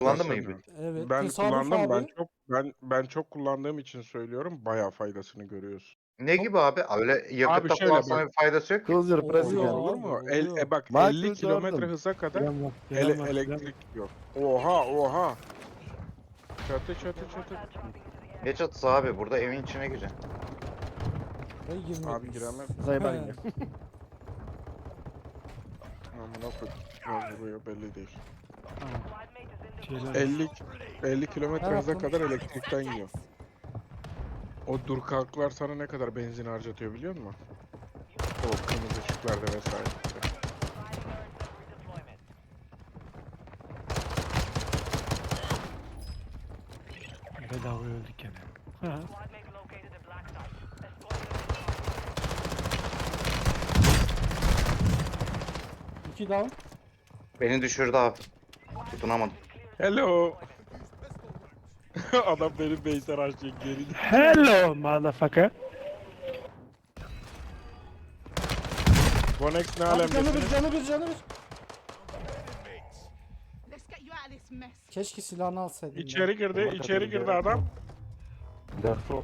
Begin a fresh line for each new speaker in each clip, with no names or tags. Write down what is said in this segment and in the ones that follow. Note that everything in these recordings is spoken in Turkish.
Kullandın mı
Nasıl?
hibrit?
Evet.
Ben
Tesadüf
kullandım.
abi.
Ben çok kullandığım için söylüyorum. Bayağı faydasını görüyorsun.
Ne
Çok-
gibi abi? Öyle
Abi
yakıtta
şöyle
kullansana
bak.
bir faydası yok ki.
Closer
Oluyor
pressing
abi,
Olur mu?
oluyor.
Bak
Michael
50 kilometre
Jordan.
hıza kadar
Gelen var. Gelen var. Gelen var.
elektrik yok. Oha. Çatı.
Ne çatısı abi? Burada evin içine gireceksin.
Ve girmek.
Abi giremem.
Zayıflayın.
Amına koyayım. Vuruyor belli değil.
Şeyler.
50 kilometre
Evet,
hıza
bunu-
kadar elektrikten yiyor. O dur kalklar sana ne kadar benzin harcatıyor biliyor musun? O kırmızı ışıklarda vesaire.
Bedava öldük gene. Ha.
İki down.
Beni düşürdü abi. Tutunamadım.
Hello. Adam benim base'e harcayacak geri.
Hello motherfucker.
Bonex ne
Abi canı
alemdesiniz?
bir, canı bir, canı bir.
Let's get you out of this mess.
Keşke silahını alsaydım. ya.
İçeri girdi adam.
Defo.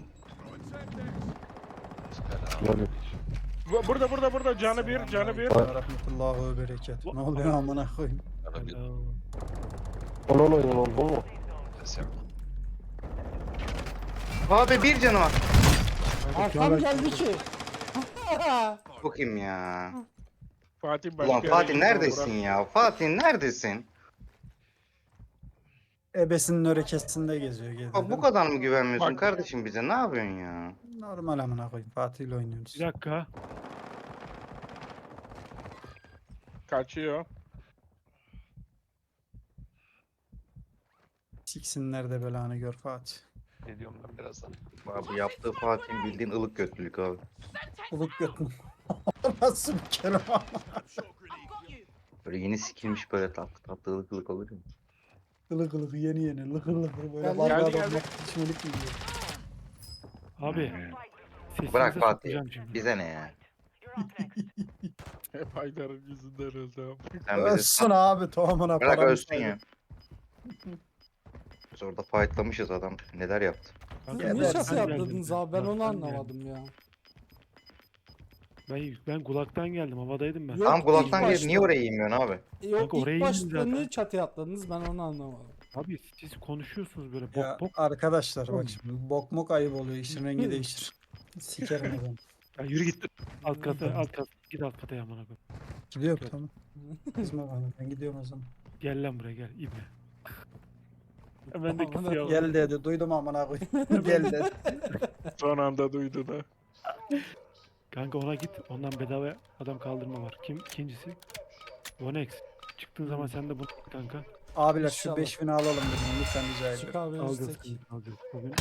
Burada canı bir.
Rahmetullahi ve bereket. Ne oluyor amına koyayım?
Hello.
Onu oynayalım bu mu?
Abi bir canı var.
Arkam geldi ki.
Bakayım ya.
Fatih başka
Ulan
yere
Fatih
gitti,
neredesin ya? Fatih neredesin?
Ebesinin örekesinde geziyor gezi.
Bak bu kadar mı güvenmiyorsun
Bak.
kardeşim bize? Ne yapıyorsun ya?
Normal amına koyayım. Fatih ile oynuyoruz.
Bir dakika.
Kaçıyor.
Siksinler de belanı gör Fatih.
Geliyorum ben birazdan.
Abi yaptığı Fatih'in bildiğin ılık götlülük abi.
Uluk götüm. Nasıl bir kelime?
I've got you.
Böyle yeni sikilmiş böyle tatlı ılık ılık olur ya.
Ilık ılık yeni lıkır lıkır böyle
Geldi,
vallahi
geldi.
adamlar içmelik yiyor.
Abi. Sesinize
Bırak Fatih.
sokacağım şimdi.
Bize ne ya?
Hep Haydar'ın yüzünden öldü abi.
Sen bize
Ölsün abi tohumuna
bırak
paramı
ölsün ya. Biz orada fightlamışız adam. Neler yaptı?
Kanka,
Niye
Gebersin.
şaka
kulaktan
yaptınız
geldim
abi? Ben onu
kulaktan
anlamadım ya.
Ben kulaktan geldim. Havadaydım ben.
Yok,
Tamam kulaktan
ilk
gelip niye
başta.
oraya inmiyorsun abi?
Yok
Kanka, oraya
ilk başta
indim zaten.
niye çatıya atladınız ben onu anlamadım.
Abi siz konuşuyorsunuz böyle
Ya
bok bok.
arkadaşlar bak şimdi bok mok ayıp oluyor. İşin rengi değişir. Sikerim adam.
Ya yürü git. Alt kata. Git alt kata yamana koy.
Gidiyor tamam. Kızma bana ben gidiyorum o zaman.
Gel lan buraya gel ibne. Ben de
Amına
kısıyor.
Gel dedi duydum amına koyayım. Gel dedi.
Son anda duydu da.
Kanka ona git. Ondan bedava adam kaldırma var. Kim ikincisi? Vonex. Çıktığın zaman sen de bunu kanka.
Abiler şu
İnşallah.
5000'i alalım dedim lütfen rica
Çık
ediyorum.
abi
Alacağız.
üstteki.
Alacağız. Bugün 5.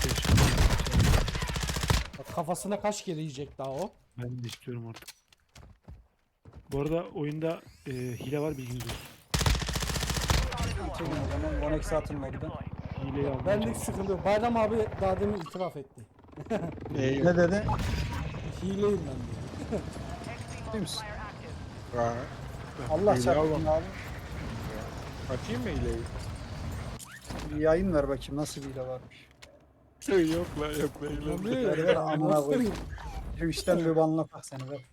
Bak, kafasına kaç kere yiyecek daha o.
Ben de istiyorum artık. Bu arada oyunda hile var bilginiz olsun.
Çekin o zaman Vonex atın modda.
Hileyi almaya
Benlik
çalışıyorum.
sıkıntı yok. Bayram abi daha demin itiraf etti.
Neyi?
Ne dedi?
Hileyim ben diyor.
Değil misin?
Ha.
Allah
Hile
çarpsın
alma.
abi.
Açayım mı hileyi?
Bir yayın ver bakayım nasıl bir hile varmış.
Yok la hile.
Ver ver amına koyayım. Şu işten bir banla bak seni ver.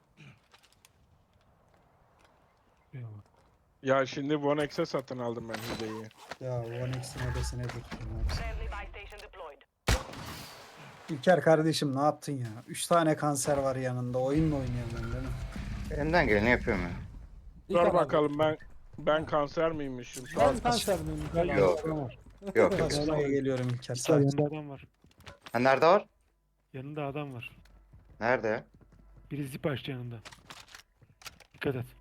Eyvallah.
Ya şimdi Bonex'e satın aldım ben hileyi.
Ya Vonex'in ödesine döktüm abi. İlker kardeşim ne yaptın ya? 3 tane kanser var yanında. Oyun mu oynuyorsun ben değil mi?
Elimden geleni yapıyorum ya.
İlk
Dur
abi.
bakalım ben kanser miymişim?
Ben kanser miyim?
Ben
Ben-
Yok.
adam var.
Yok yok.
Kasmaya geliyorum İlker.
İlker
Sakin.
yanında adam var.
Ha nerede var?
Yanında adam var.
Nerede ya?
Biri zip açtı yanında. Dikkat et.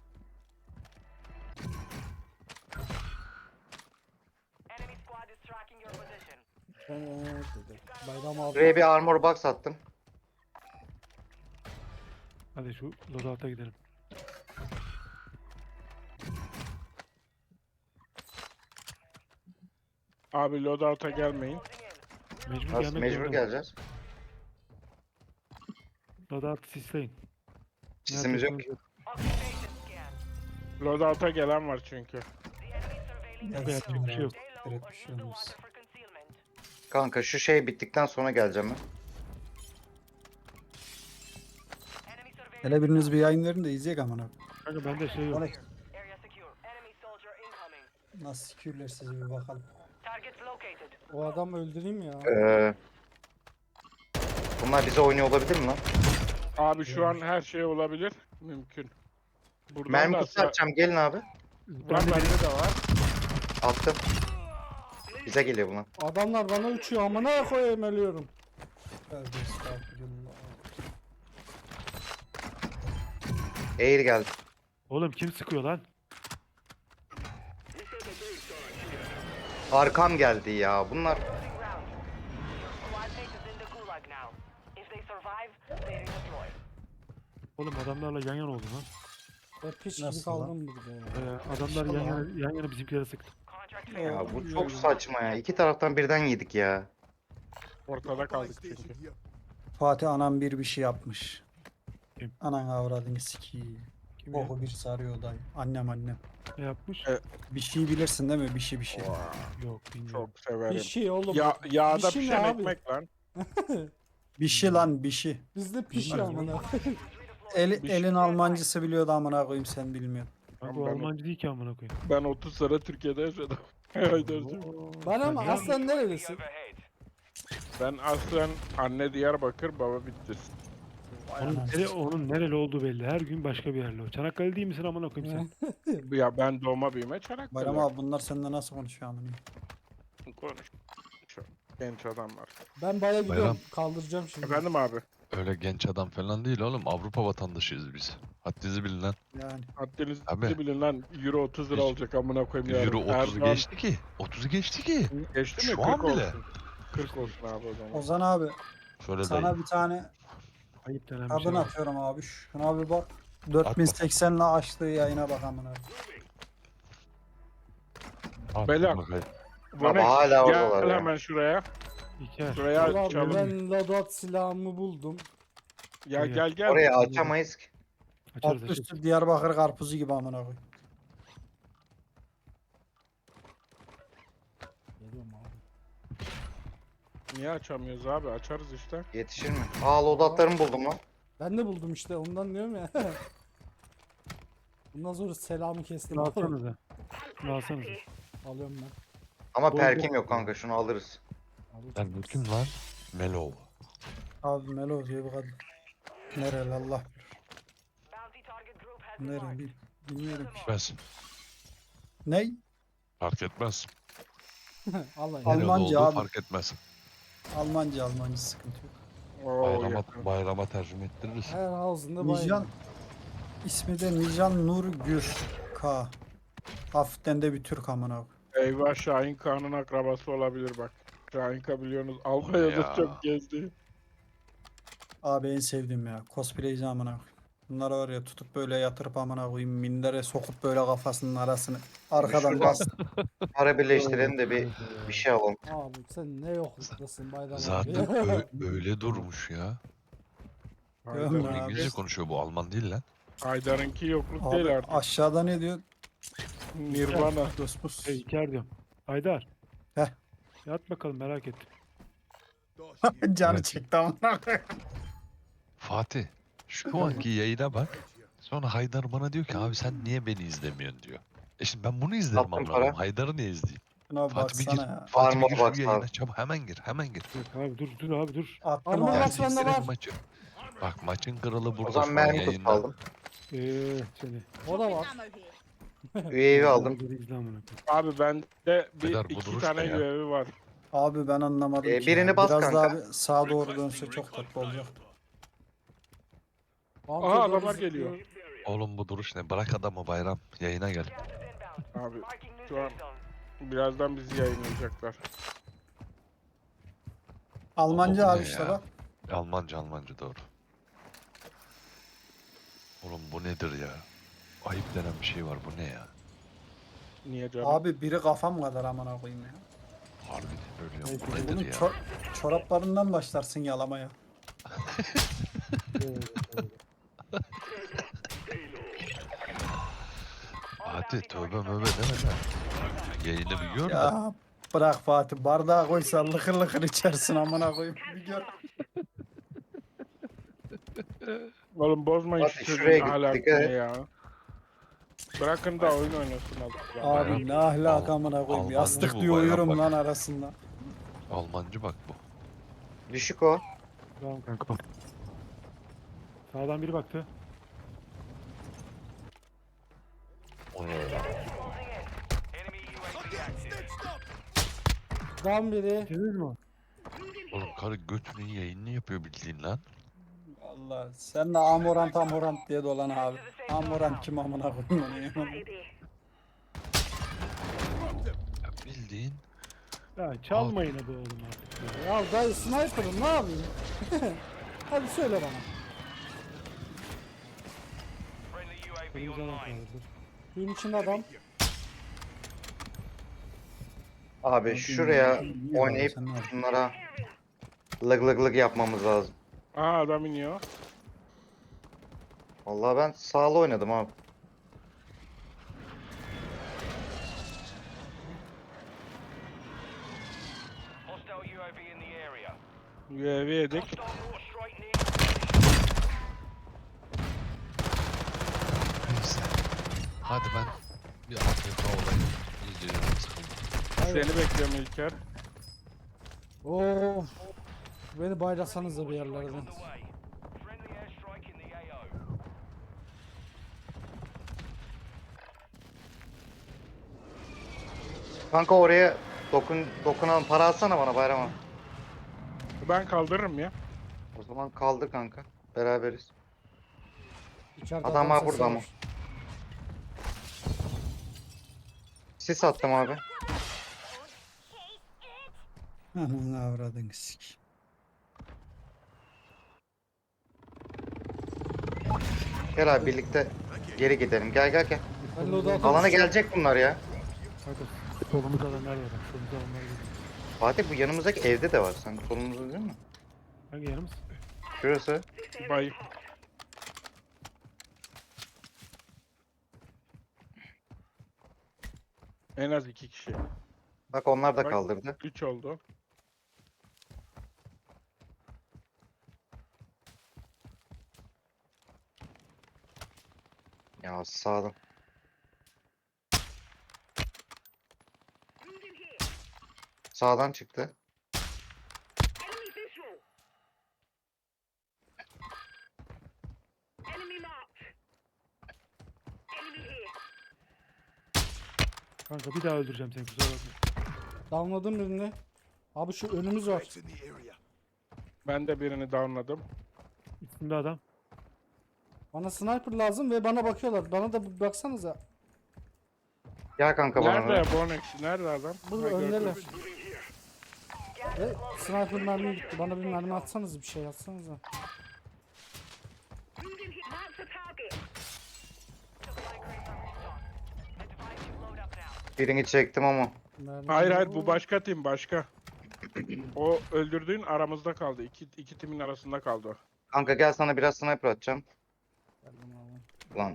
Evet dedi. Bayram abi.
Buraya bir armor box attım.
Hadi şu loadout'a gidelim.
Abi loadout'a gelmeyin.
Mecbur
Nasıl
gelmek
mecbur
zorunda.
geleceğiz.
Loadout'u sisleyin.
Sisimiz yok.
Neredesiniz?
Loadout'a gelen var çünkü.
Gelsin
bir şey yok.
Direkt bir şey olmaz.
Kanka şu şey bittikten sonra geleceğim ben.
Hele biriniz bir yayın verin de izleyek amına.
Kanka bende şey yok.
Alex. Nasıl sikürler sizi bir bakalım.
O adamı öldüreyim ya.
Bunlar bize oynuyor olabilir mi lan?
Abi şu an her şey olabilir. Mümkün. Buradan
Mermi
da
kutusu atacağım. Gelin abi.
Var bende de var.
Attım. Bize geliyor bunlar.
Adamlar bana uçuyor amına koyayım ölüyorum.
Tövbe estağfurullah.
Air geldi.
Oğlum kim sıkıyor lan?
Arkam geldi ya. Bunlar
Oğlum adamlarla yan yana oldu lan.
Ben piç gibi
Nasıl
kaldım burada ya.
Adamlar yan yana bizimkilere sıktı.
ya bu çok saçma ya. İki taraftan birden yedik ya.
Ortada kaldık çünkü.
Fatih anam bir şey yapmış.
Kim?
Anan avradını sikiyim.
Kim ya?
Oku bir sarıyor dayı. Annem.
Ne yapmış?
Bir şey bilirsin değil mi? Bir şey.
Yok bilmiyorum.
Çok severim.
Bir şey oğlum.
Yağda
Bir şey ne
pişen
abi?
ekmek lan.
Bir şey lan bir şey.
Bizde pişiyor amına.
Elin
şey-
Almancısı biliyordu amına koyayım sen bilmiyorsun.
Kanka o
Ben-
Almancı değil ki amına koyayım.
Ben 30 sene Türkiye'de yaşadım. Haydar'cığım.
Bana mı? Aslan nerelisin?
Ben aslen anne Diyarbakır, baba Bitlis.
Onun nereli olduğu belli. Her gün başka bir yerli o. Çanakkale değil misin amına koyayım sen?
Ya ben doğma büyüme Çanakkale.
Bayram abi bunlar seninle nasıl konuşuyor amına?
Konuş. Şu genç adamlar.
Ben baya gidiyorum.
Bayram.
Kaldıracağım şimdi.
Efendim abi.
Öyle genç adam falan değil oğlum. Avrupa vatandaşıyız biz. Haddinizi bilin lan.
Yani
Haddinizi
Abi.
bilin lan. Euro 30 lira olacak amına koyayım yarın.
Euro 30'u
Erdoğan-
geçti ki. 30'u geçti ki.
Geçti mi?
Şu
40
an bile.
olsun. 40 olsun abi o zaman.
Ozan abi
Şöyle
sana
dayı.
bir tane
Ayıp denen bir şey
kadın
var.
atıyorum abi. Şuna bir bak. 4080 ile açtığı yayına bak amına.
Al,
Bela.
bakayım.
Vanek,
hala
gel
oradalar ya.
hemen şuraya.
İlker.
Şuraya
Ulan
açalım.
ben Ladot silahımı buldum.
Ya gel gel.
Orayı açamayız ki.
Açarız
Alt
açarız.
üstü Diyarbakır karpuzu gibi amına koy.
Geliyorum abi.
Niye açamıyoruz abi? Açarız işte.
Yetişir mi? Aa loadoutlarımı buldum lan.
Ben de buldum işte ondan diyorum ya. Bundan sonra selamı kestim.
Şunu alsanıza. Şunu alsanıza.
Alıyorum ben.
Ama
Bol
perkim
bol.
yok kanka. Şunu alırız.
Alacağım.
Ben bu kim lan? Melo.
Abi Melo diye bir kadın. Nereli Allah bilir. Nereli bilmiyorum ki.
Ben
Ney?
fark etmez.
Alayım.
Al-
Nerede
Almanca
olduğu
abi.
fark etmez.
Almanca sıkıntı yok.
Oo,
Bayrama,
yakın.
bayrama tercüme ettiririz.
Her ağzında
Nijan
bayram.
ismi de Nijan Nur Gür K. Hafiften de bir Türk amına.
Eyvah Şahin Kağan'ın akrabası olabilir bak. Şahin Kağan biliyorsunuz Almanya'da
Ya.
çok gezdi.
Abi en sevdiğim ya. Cosplayci amına. Bunları var ya tutup böyle yatırıp amına koyayım mindere sokup böyle kafasının arasını arkadan
Şuradan-
bas.
Para birleştirelim de bir şey alalım.
Abi sen ne yokluktasın bayram
Zaten
abi.
öyle durmuş ya.
Görmüyor
Haydar,
abi.
İngilizce konuşuyor bu. Alman değil lan.
Haydar'ınki yokluk
Abi
değil artık.
aşağıda ne diyor?
Nirvana.
Dospus.
İlker diyorum. Haydar.
Heh.
Yat bakalım merak ettim.
Canı
Evet.
çekti amına koyayım.
Fatih. Şu anki yayına bak. Sonra Haydar bana diyor ki abi sen niye beni izlemiyorsun diyor. Şimdi ben bunu izlerim
Attım
amına
para.
koyayım. Haydar'ı niye izleyeyim?
Şuna
Fatih bir gir.
baksana ya.
Fatih bir
Armor
gir şu
box
yayına.
abi.
Çabuk hemen gir. Hemen gir.
Yok abi dur abi dur.
Attım
Armor
abi.
box bende
Ertesilerin
var.
maçı. Bak maçın kralı
O
burada
zaman
şu an
mermi kutusu
yayında.
aldım.
Seni.
O da var.
Ammo here.
UAV aldım.
Dur, izle amına koyayım.
Abi bende
Beyler, bu
iki
duruş
tane
ne ya?
UAV var.
Abi ben anlamadım ki
Birini
ya.
bas
Biraz
kanka.
daha bir sağa doğru dönse çok tatlı olacak.
Altı
Aha
doğru
adamlar
zıplıyor.
geliyor.
Oğlum bu duruş ne? Bırak adamı bayram. Yayına gel.
Abi şu an birazdan bizi yayınlayacaklar.
Almanca
Oğlum
abi
ne
işte
ya?
bak.
Almanca doğru. Oğlum bu nedir ya? Ayıp denen bir şey var. Bu ne ya?
Niye canım?
Abi biri kafam kadar amına koyayım ya.
Harbiden öyle
Ay,
ya. Bu
Bunun
nedir ya?
çoraplarından başlarsın yalamaya.
Fatih tövbe möbe deme lan. Yayını bir gör de.
Ya bırak Fatih, bardağa koysa lıkır lıkır içersin amına koyayım. Bir gör.
Oğlum bozmayın
Fatih,
şu
şuraya
çocuğun
git,
ahlakını
dikkat et.
ya. Bırakın da oyun oynasın abi.
Abi ne ahlak amına koyayım.
Almancı
Yastık
bu
diyor
bayağı
uyurum
bak.
lan arasında.
Almancı bak bu.
Düşük o.
Tamam kanka. Sağdan biri baktı.
O ne ya?
Down biri.
Bitirdiniz mi o?
Oğlum karı götünün yayınını yapıyor bildiğin lan.
Allah sen de amorant diye dolan abi. Amorant kim amına koyayım onu ya.
Ya bildiğin
Ya çalma yine bu oğlum artık. Ya.
Ya dayı sniper'ım ne yapayım? Hadi söyle bana.
Kırmızı alan kaldırdı.
Suyun içinde adam.
Abi şuraya
İyi
oynayıp
sen ne yapıyorsun?
bunlara lık lık lık yapmamız lazım.
Aa adam iniyor.
Vallahi ben sağlı oynadım abi.
UAV yedik.
neyse. Hadi ben bir AFK olayım. İzliyorum sıkıldım.
Seni bekliyorum İlker.
Of. Beni bayrasanız da bir yerlerden.
Kanka oraya dokunan para alsana bana Bayram'a.
Ben kaldırırım ya.
O zaman kaldır kanka. Beraberiz.
İçeride
Adam var
sesi
burada ama. Sis attım abi.
Ananı avradın sik.
Gel abi birlikte geri gidelim. Gel gel gel.
Ben loadout'a
Alana
düşeceğim.
gelecek bunlar ya.
Kanka solumuzda alanlar var bak. Solumuzda alanlar var.
Fatih bu yanımızdaki evde de var. Sen solumuzda değil mi?
Hangi yanımız?
Şurası.
Bay. En az 2 kişi.
Bak onlar da
Bak.
kaldırdı.
3 oldu.
Ya sağdan. Sağdan çıktı.
Kanka bir daha öldüreceğim seni kusura bakma.
Downladım birini. Abi şu önümüz var.
Ben de birini downladım.
Üstünde adam.
Bana sniper lazım ve bana bakıyorlar. Bana da bir baksanıza.
Gel kanka bana.
Nerede Bonex? Nerede adam?
Bu
Ha,
öndeler.
gördüm.
Ve sniper mermi gitti. Bana bir mermi atsanız bir şey atsanıza.
Birini çektim ama.
Mermi
Hayır hayır
yok.
bu başka tim başka. O öldürdüğün aramızda kaldı. İki timin arasında kaldı o.
Kanka gel sana biraz sniper atacağım.
Geldim abi.
Lan.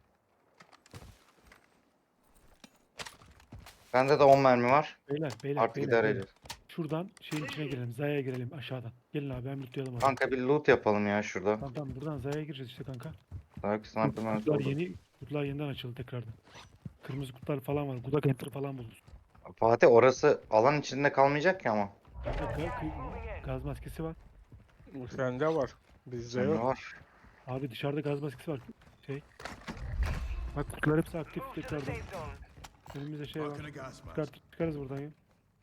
Bende de 10 mermi var.
Beyler
Artık
beyler,
idare
beyler.
edeceğiz.
Şuradan şeyin içine girelim. Zaya'ya girelim aşağıdan. Gelin abi ben lootlayalım adamı.
Kanka bir loot yapalım ya şurada.
Tamam tamam buradan Zaya'ya gireceğiz işte kanka.
Belki sniper mermisi
Kutular
olur.
kutular yeniden açıldı tekrardan. Kırmızı kutular falan var. Gudak enter falan buluruz.
Fatih orası alan içinde kalmayacak ki ama.
Gaz maskesi var.
Bu sende var. Bizde
Sende
yok.
var.
Abi dışarıda gaz maskesi var. Şey. Bak kutular hepsi aktif tekrardan. Önümüzde şey var. Çıkarız buradan ya.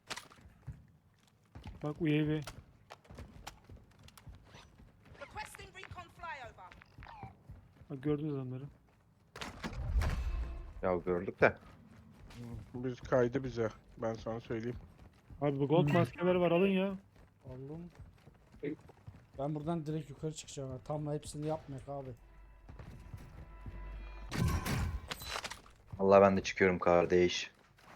Bak UAV.
Requesting recon flyover.
Bak gördünüz adamları.
Ya gördük de.
Biz kaydı bize. Ben sana söyleyeyim.
Abi bu gold maskeler var alın ya.
Aldım. Ben buradan direkt yukarı çıkacağım. Tam hepsini yapmayak abi.
Allah ben de çıkıyorum kardeş.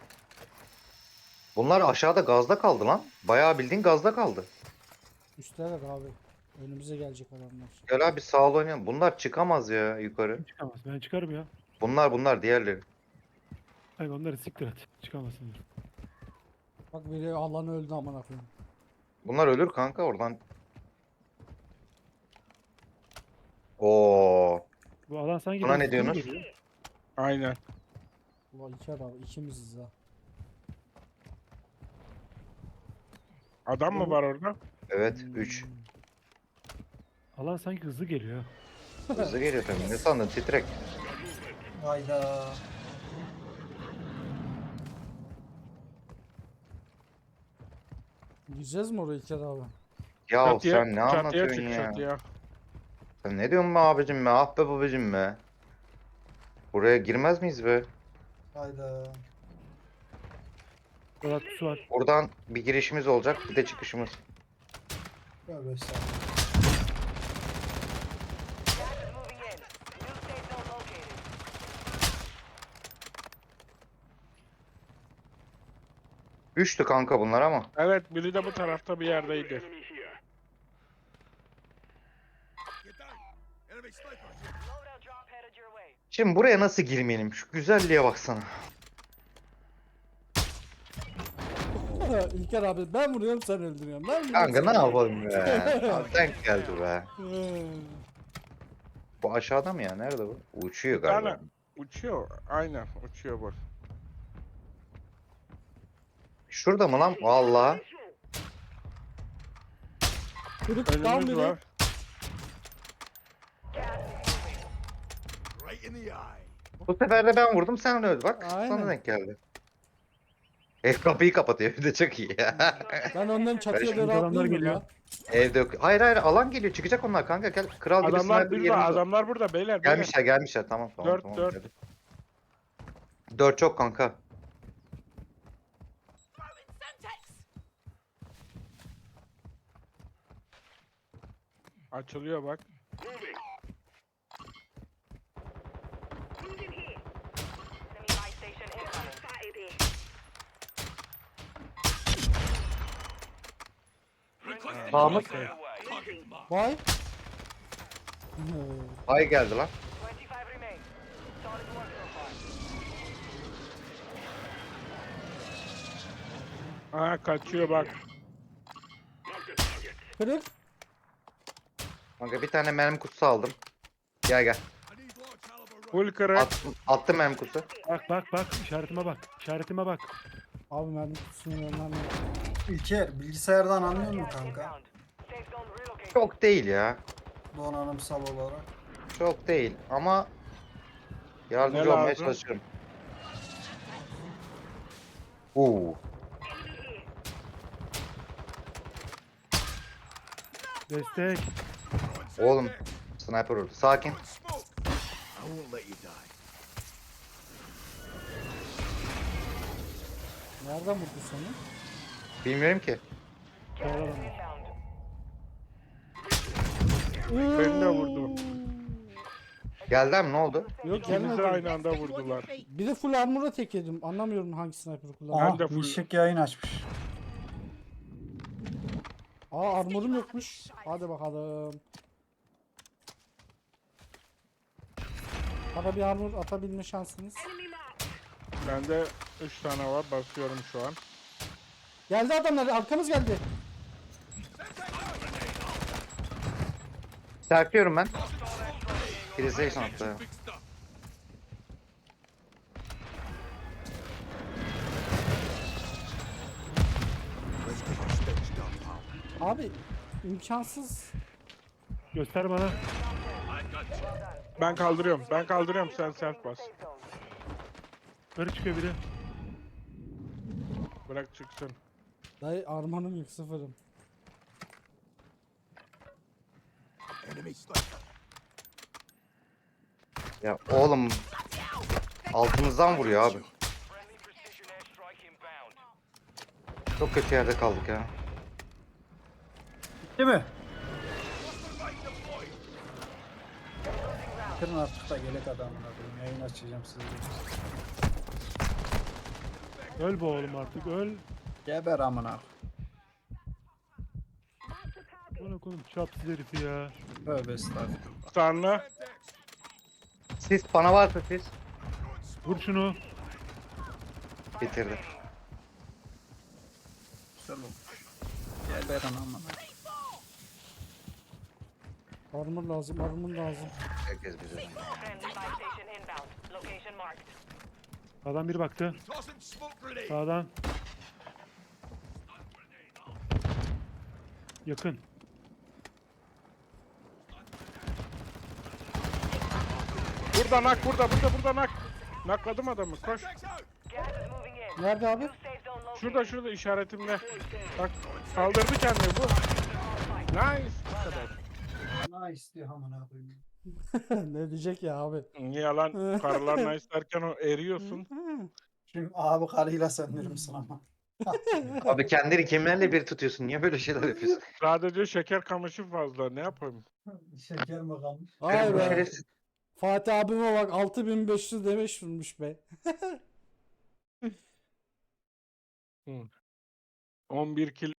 Bunlar aşağıda gazda kaldı lan. Bayağı bildiğin gazda kaldı.
Üsteler abi. Önümüze gelecek adamlar.
Gel abi sağ ol oynayalım. Bunlar çıkamaz ya yukarı.
Çıkamaz. Ben çıkarım ya.
Bunlar diğerleri.
Hayır onları siktir et. Çıkamasınlar.
Bak biri alan öldü amına koyayım.
Bunlar ölür kanka oradan. Oo.
Bu alan sanki
Buna
biraz
ne
hızlı
diyorsunuz?
geliyor.
Aynen.
Ulan iki adam ikimiziz ha.
Adam mı var orada?
Evet 3.
Alan sanki hızlı geliyor.
Hızlı geliyor tabii. Ne sandın titrek.
Hayda.
Gideceğiz mi oraya İlker abi?
Ya
Çatıya-
sen ne
çatıya
anlatıyorsun
çık,
ya?
çatıya.
Sen ne diyorsun be abicim be? Ah be babacım be. Buraya girmez miyiz be?
Hayda.
Polat su var.
Buradan bir girişimiz olacak, bir de çıkışımız.
Tövbe estağfurullah.
Moving in. New safe zone located.
Üçtü kanka bunlar ama.
Evet, biri de bu tarafta bir yerdeydi.
Loadout drop headed your way.
Şimdi buraya nasıl girmeyelim? Şu güzelliğe baksana.
İlker abi ben vuruyorum sen öldürüyorsun. Ben vuruyorum,
Kanka
sen
ne yapalım be? Abi denk geldi be.
öldürüyorsun.
Bu aşağıda mı ya? Nerede bu? Uçuyor
Bir tane
galiba.
uçuyor. Aynen uçuyor bak.
Şurada mı lan? Vallahi.
Kırık tam
Önümüz
biri.
var.
Bu sefer de ben vurdum sen öldü. Bak
Aynen.
sana denk geldi. Ev kapıyı kapatıyor. Bir de çok iyi ya.
Ben onların çatıya
şimdi
doğru
adamlar
atlayayım
geliyor.
ya.
Evde yok. Hayır hayır alan geliyor. Çıkacak onlar kanka. Gel kral gibi
Adamlar
sniper
burada,
yerimiz var.
adamlar burada beyler. beyler.
Gelmişler. Tamam tamam.
Dört,
tamam.
dört.
Hadi. 4 çok kanka.
Açılıyor bak.
Enemy buy station incoming.
Sağımız.
Vay.
Ay geldi lan.
25 remain. Solid work so far.
Aha kaçıyor bak.
Kırık.
Kanka bir tane mermi kutusu aldım. Gel.
Full kırık.
Attım mermi kutusu.
Bak işaretime bak. İşaretime bak.
Abi mermi kutusunu yönlendim.
İlker bilgisayardan anlıyor musun kanka?
Inbound. Safe zone relocated.
Çok değil ya.
Donanımsal olarak.
Çok değil ama yardımcı
Ne
olmaya
lazım?
çalışıyorum. Oo.
Destek.
Oğlum sniper vurdu. Sakin.
Nereden vurdu seni?
Bilmiyorum ki.
Sağ ol adamlar.
Inbound.
Beni de vurdu.
Geldi mi ne oldu?
Yok
İkimizi
gelmedi.
aynı anda vurdular.
Bir de full armor'a tek yedim. Anlamıyorum hangi sniper'ı kullandım.
Aha
Ben de full-
Mişik yayın açmış.
Aa armor'um yokmuş. Hadi bakalım. Bana bir armor atabilme şansınız.
Bende 3 tane var. Basıyorum şu an.
Geldi adamlar arkamız geldi.
Serpiyorum ben. PlayStation attı.
Abi imkansız.
Göster bana.
Ben kaldırıyorum. Sen self bas.
Safe zone.
Yukarı çıkıyor biri.
Bırak çıksın.
Dayı armor'um yok sıfırım.
Ya oğlum altımızdan vuruyor abi.
Friendly precision airstrike inbound.
Çok kötü yerde kaldık ya.
Değil mi? Kırın artık da gelek adamına koyayım. Yayın açacağım size.
Öl bu oğlum artık öl.
Geber amına.
Bana koyayım çapsız herifi ya.
Tövbe estağfurullah.
Sarnı.
Sis bana varsa sis.
Vur şunu.
Bitirdi.
Güzel olmuş. Gel Beren aman.
Armor lazım, armor lazım.
Herkes bize.
Friendly buy station inbound. Location marked.
Sağdan biri baktı. Sağdan. Yakın.
Burada nak, burada nak. Nakladım adamı, koş.
Gas is moving in.
Nerede abi?
New safe zone located.
Şurada işaretimde. Bak, kaldırdı kendini bu. Nice. Bu kadar.
Nice diyor amına koyayım.
Ne diyecek ya abi?
Niye lan? Karılar nice derken o eriyorsun.
Şimdi abi karıyla söndürür müsün ama?
Abi kendini kimlerle bir tutuyorsun? Niye böyle şeyler yapıyorsun?
Sadece şeker kamışı fazla, ne yapayım?
Şeker mi kalmış?
Ay
Bu
be.
şerefsiz
Fatih abime bak 6500 demiş vurmuş be.
11 kill